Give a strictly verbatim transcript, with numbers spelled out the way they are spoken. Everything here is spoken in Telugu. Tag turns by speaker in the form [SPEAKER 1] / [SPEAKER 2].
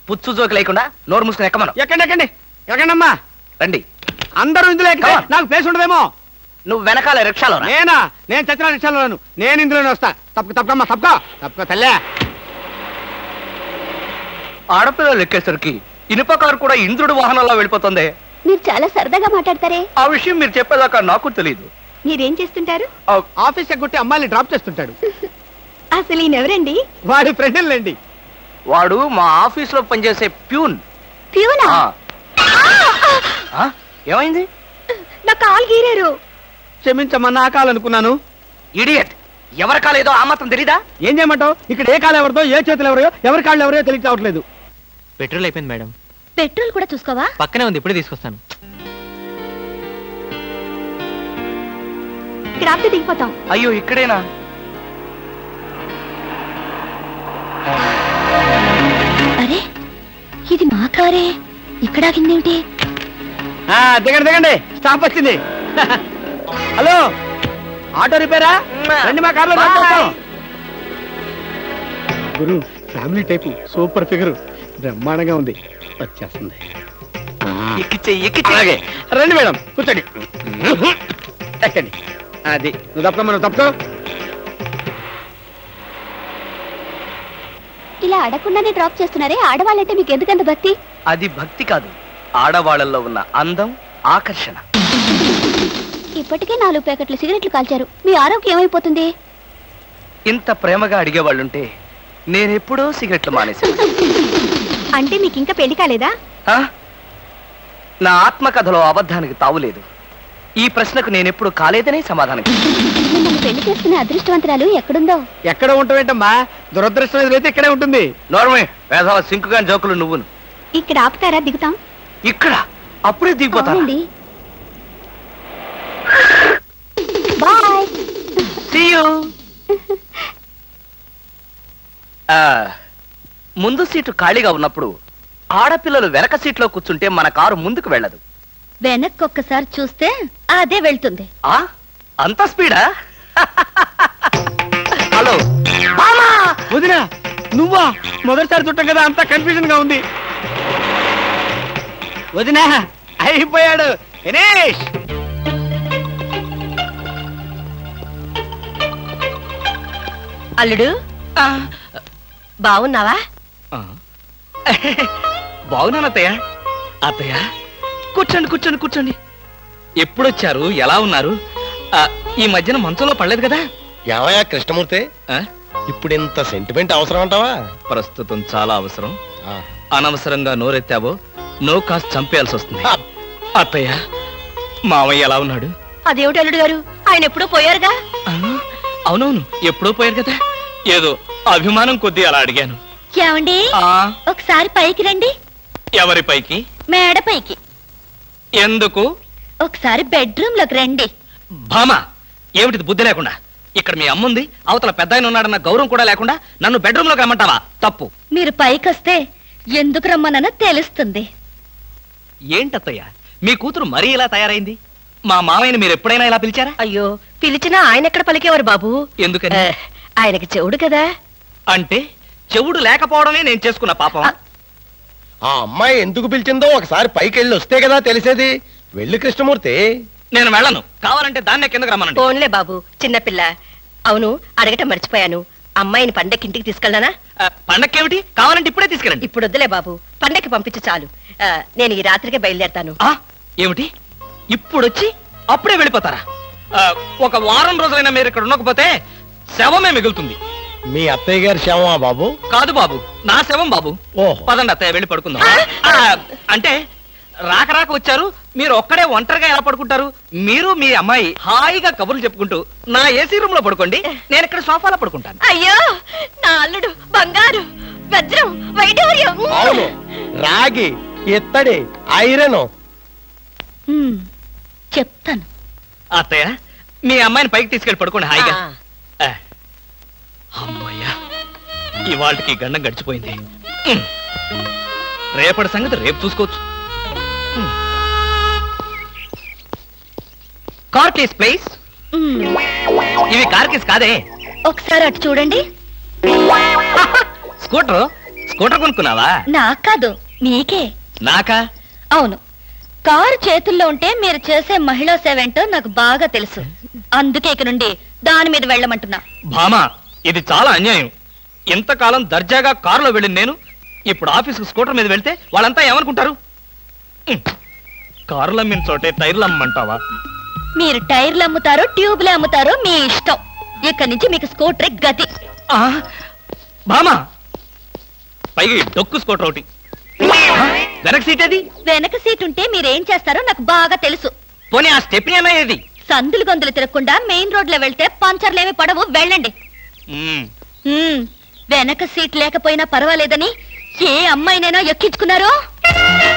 [SPEAKER 1] పుచ్చు జోకి లేకుండా నోరు మూసుకుని ఎక్కమను.
[SPEAKER 2] ఎక్కండి ఎక్కండి ఎక్కండమ్మా.
[SPEAKER 1] రండి.
[SPEAKER 2] అందరూ ఇందులో ఎక్కితే నాకు ప్లేస్ ఉండదేమో.
[SPEAKER 1] నువ్వు వెనకాల రిక్షాలో రా.
[SPEAKER 2] నేనా? నేను చచ్చిన రిక్షాలోను. నేను ఇందులోనే వస్తా. తప్పక తప్పకమ్మా తప్పక తప్పక తల్లే.
[SPEAKER 1] ఆడపిల్లలు ఎక్కేసరికి ఇనుప కారు కూడా ఇంద్రుడు వాహనంలో వెళ్ళిపోతుంది.
[SPEAKER 3] మీరు చాలా సరదాగా మాట్లాడతారే.
[SPEAKER 1] ఆ విషయం మీరు చెప్పేదాకా నాకు తెలియదు.
[SPEAKER 3] మీరేం చేస్తుంటారు?
[SPEAKER 2] ఆఫీస్ ఎగ్గొట్టి అమ్మాయిని డ్రాప్ చేస్తుంటాడు.
[SPEAKER 3] అసలు ఈయనెవరండి?
[SPEAKER 2] వాడి ఫ్రెండ్లండి.
[SPEAKER 1] వాడు మా ఆఫీస్ లో పనిచేసే ప్యూన్.
[SPEAKER 3] ప్యూనా?
[SPEAKER 1] ఆ, ఏమైంది?
[SPEAKER 3] నా కాలు గీరారు.
[SPEAKER 2] క్షమించమ్మా, నా కాలనుకున్నాను.
[SPEAKER 1] ఇడియట్, ఎవరి కాలేదో ఆ మాత్రం తెలీదా?
[SPEAKER 2] ఏం చేయమంటావు? ఇక్కడ ఏ కాలు ఎవరిదో, ఏ చేతులు ఎవరో, ఎవరి కాళ్ళు ఎవరో తెలియక రావట్లేదు.
[SPEAKER 4] పెట్రోల్ అయిపోయింది మేడం.
[SPEAKER 3] పెట్రోల్ కూడా చూసుకోవా?
[SPEAKER 4] పక్కనే ఉంది, ఇప్పుడే తీసుకొస్తాను.
[SPEAKER 3] ఇక్కడ ఆపితే దిగిపోతాం.
[SPEAKER 1] అయ్యో, ఇక్కడేనా?
[SPEAKER 3] అరే, ఇది మా కారే. ఇక్కడ ఆగిందేమిటి?
[SPEAKER 2] దిగండి దిగండి, స్టాప్ వచ్చింది. హలో, ఆటో రిపేరా? రండి, మా కార్లో గురు. ఫ్యామిలీ టైపు, సూపర్ ఫిగర్, బ్రహ్మాండంగా ఉంది. వచ్చేస్తుంది. అలాగే రండి మేడం, కూర్చోండి. ఎక్కండి. అది నువ్వు తప్పకమ్మా, నువ్వు తప్పుకో.
[SPEAKER 3] ఇలా అడగకుండానే డ్రాప్ చేస్తున్నారే, ఆడవాళ్ళంటే మీకు ఎందుకంత భక్తి?
[SPEAKER 1] అది భక్తి కాదు, ఆడవాళ్ళల్లో ఉన్న అందం, ఆకర్షణ.
[SPEAKER 3] ఇప్పటికే నాలుగు ప్యాకెట్లు సిగరెట్లు కాల్చారు. మీ ఆరోగ్యం ఏమైపోతుంది?
[SPEAKER 1] ఇంత ప్రేమగా అడిగేవాళ్ళుంటే నేనెప్పుడో సిగరెట్లు మానేశాను.
[SPEAKER 3] అంటే మీకు ఇంకా పెళ్లి కాలేదా?
[SPEAKER 1] ఆ? నా ఆత్మకథలో అబద్ధానికి తావులేదు. ఈ ప్రశ్నకు నేనెప్పుడు కాలేదనే సమాధానం.
[SPEAKER 3] మిమ్మల్ని పెళ్లి చేసుకునే అదృష్టవంతరాలు ఎక్కడుందో.
[SPEAKER 2] ఎక్కడ ఉంటావేంటమ్మా? దురదృష్టం ఎదురైతే ఇక్కడే ఉంటుంది.
[SPEAKER 1] నోర్మే, వేసవ సింకుగా జోకులు నువ్వును.
[SPEAKER 3] ఇక్కడ ఆపుతారా? దిగుతాం.
[SPEAKER 1] ఇక్కడ అప్పుడే దిగిపోతాను.
[SPEAKER 3] అవునండి. బాయ్.
[SPEAKER 1] See you. ఆ, ముందు సీటు ఖాళీగా ఉన్నప్పుడు ఆడపిల్లలు వెనక సీట్లో కూర్చుంటే మన కారు ముందుకు వెళ్ళదు.
[SPEAKER 3] వెనక్కి ఒక్కసారి చూస్తే అదే వెళ్తుంది.
[SPEAKER 1] ఆ అంత స్పీడా? హలో
[SPEAKER 2] వదినా, నువ్వా? మొదటిసారి చుట్టాం కదా, అంతా కన్ఫ్యూజన్ గా ఉంది. వదినా, అయిపోయాడు దినేష్.
[SPEAKER 5] అల్లుడు, బాగున్నావా?
[SPEAKER 1] బాగున్నాను అత్తయ్య. అత్తయ్య, కూర్చోండి కూర్చోండి కూర్చోండి. ఎప్పుడొచ్చారు? ఎలా ఉన్నారు? ఈ మధ్యన మంచంలో పడలేదు కదా?
[SPEAKER 6] ఏమయ్యా కృష్ణమూర్తి, ఇప్పుడు ఇంత సెంటిమెంట్ అవసరం అంటావా?
[SPEAKER 1] ప్రస్తుతం చాలా అవసరం. అనవసరంగా నోరెత్తావో నో కాస్త చంపేయాల్సి వస్తుంది. అత్తయ్య, మావయ్య ఎలా ఉన్నాడు?
[SPEAKER 5] అదేమిటి అల్లుడు గారు, ఆయన ఎప్పుడూ పోయారుగా.
[SPEAKER 1] అవునవును, ఎప్పుడో పోయారు కదా. ఏదో అభిమానం కొద్దీ అలా అడిగాను.
[SPEAKER 3] ఏమండి, ఒకసారి పైకి రండి.
[SPEAKER 1] ఎవరి పైకి?
[SPEAKER 3] మేడ పైకి.
[SPEAKER 1] ఎందుకు?
[SPEAKER 3] ఒకసారి బెడ్రూమ్ లోకి రండి.
[SPEAKER 1] భామా, ఏమిటిది బుద్ధి లేకుండా? ఇక్కడ మీ అమ్ముంది, అవతల పెద్ద ఆయన ఉన్నాడన్న గౌరవం కూడా లేకుండా నన్ను బెడ్రూమ్ లోకి రమ్మంటావా? తప్పు.
[SPEAKER 3] మీరు పైకొస్తే ఎందుకు రమ్మనో తెలుస్తుంది.
[SPEAKER 1] ఏంటత్తయ్య, మీ కూతురు మరీ ఇలా తయారైంది? మా మామయ్యని మీరు ఎప్పుడైనా ఇలా పిలిచారా?
[SPEAKER 5] అయ్యో, పిలిచినా ఆయన ఎక్కడ పలికేవారు బాబు.
[SPEAKER 1] ఎందుకని?
[SPEAKER 5] ఆయనకి చెవుడు కదా.
[SPEAKER 1] అంటే చెవుడు లేకపోవడమే నేను చేసుకున్న పాపం.
[SPEAKER 6] ఆ అమ్మాయి ఎందుకు పిలిచిందో ఒకసారి పైకి వెళ్ళి వస్తే కదా తెలిసేది. వెళ్ళి కృష్ణమూర్తి.
[SPEAKER 1] నేను వెళ్ళను. కావాలంటే దాన్నే కిందకు రమ్మనండి.
[SPEAKER 5] ఫోన్లే బాబు, చిన్నపిల్ల. అవును, అడగటం మర్చిపోయాను, అమ్మాయిని పండక్కి ఇంటికి తీసుకెళ్ళనా?
[SPEAKER 1] పండక్కేమిటి? కావాలంటే ఇప్పుడే తీసుకెళ్ళండి.
[SPEAKER 5] ఇప్పుడు వద్దులే బాబు, పండక్కి పంపించు చాలు. ఆ, నేను ఈ రాత్రికే బయలుదేరతాను.
[SPEAKER 1] ఆ, ఏమిటి ఇప్పుడొచ్చి అప్పుడే వెళ్ళిపోతారా? ఒక వారం రోజులైనా మీరు ఇక్కడ ఉండకపోతే శవమే మిగులుతుంది.
[SPEAKER 6] మీ అత్తయ్య గారి శవమా బాబు?
[SPEAKER 1] కాదు బాబు, నా శవం బాబు.
[SPEAKER 6] ఓహో,
[SPEAKER 1] పదండి అత్తయ్య, వెళ్ళి పడుకుందాం. అంటే రాక రాక వచ్చారు, మీరు ఒక్కడే ఒంటరిగా ఎలా పడుకుంటారు? మీరు మీ అమ్మాయి హాయిగా కబుర్లు చెప్పుకుంటూ నా ఏసీ రూమ్ లో పడుకోండి, నేను ఇక్కడ సోఫాలో పడుకుంటాను.
[SPEAKER 5] అయ్యో, నా అల్లుడు బంగారు, వజ్రం, వైఢూర్యం,
[SPEAKER 6] అవును, రాగి, ఇత్తడి, ఐరన్.
[SPEAKER 3] చెప్తాను.
[SPEAKER 1] అత్తయ్య, మీ అమ్మాయిని పైకి తీసుకెళ్ళి పడుకోండి హాయిగా. అమ్మయ్యా, ఇవాళకి గండం గడిచిపోయింది. రేపటి సంగతి రేపు చూసుకోవచ్చు. Car keys please. ఇవి కార్ కేస్ కాదే.
[SPEAKER 3] ఒకసారి అటు చూడండి.
[SPEAKER 1] స్కూటర్ స్కూటర్ కొనుక్కున్నావా?
[SPEAKER 5] నాకు కాదు, మీకే.
[SPEAKER 1] నాకా?
[SPEAKER 5] అవును, కారు చేతుల్లో ఉంటే మీరు చేసే మహిళా సేవ ఏంటో నాకు బాగా తెలుసు. అందుకే ఇక నుండి దాని మీద వెళ్ళమంటున్నా.
[SPEAKER 1] భామా, ఇది చాలా అన్యాయం. ఇంతకాలం దర్జాగా కారులో వెళ్ళింది నేను, ఇప్పుడు ఆఫీసుకు స్కూటర్ మీద వెళ్తే వాళ్ళంతా ఏమనుకుంటారు? ఉమ్, కారులు అమ్మిన చోటే టైర్లు అమ్మంటావా?
[SPEAKER 5] మీరు టైర్లు అమ్ముతారో ట్యూబ్లు అమ్ముతారో మీ ఇష్టం. ఇక్కడి నుంచి మీకు స్కూటర్ గతి.
[SPEAKER 1] ఆ, భామా, పైగా ఈ డొక్కు స్కూటర్ ఒకటి. ఆ, వెనక సీట్ ఏది?
[SPEAKER 5] వెనక సీట్ ఉంటే మీరేం చేస్తారో నాకు బాగా తెలుసు.
[SPEAKER 1] పోనీ ఆ స్టెప్ని అన్నా ఏది?
[SPEAKER 5] సందులు గొంతులు తిరగకుండా మెయిన్ రోడ్ లో వెళ్తే పంచర్లేమి పడవు, వెళ్ళండి.
[SPEAKER 1] ఉమ్,
[SPEAKER 5] ఉమ్, వెనక సీట్ లేకపోయినా పర్వాలేదని ఏ అమ్మాయినైనా ఎక్కించుకున్నారో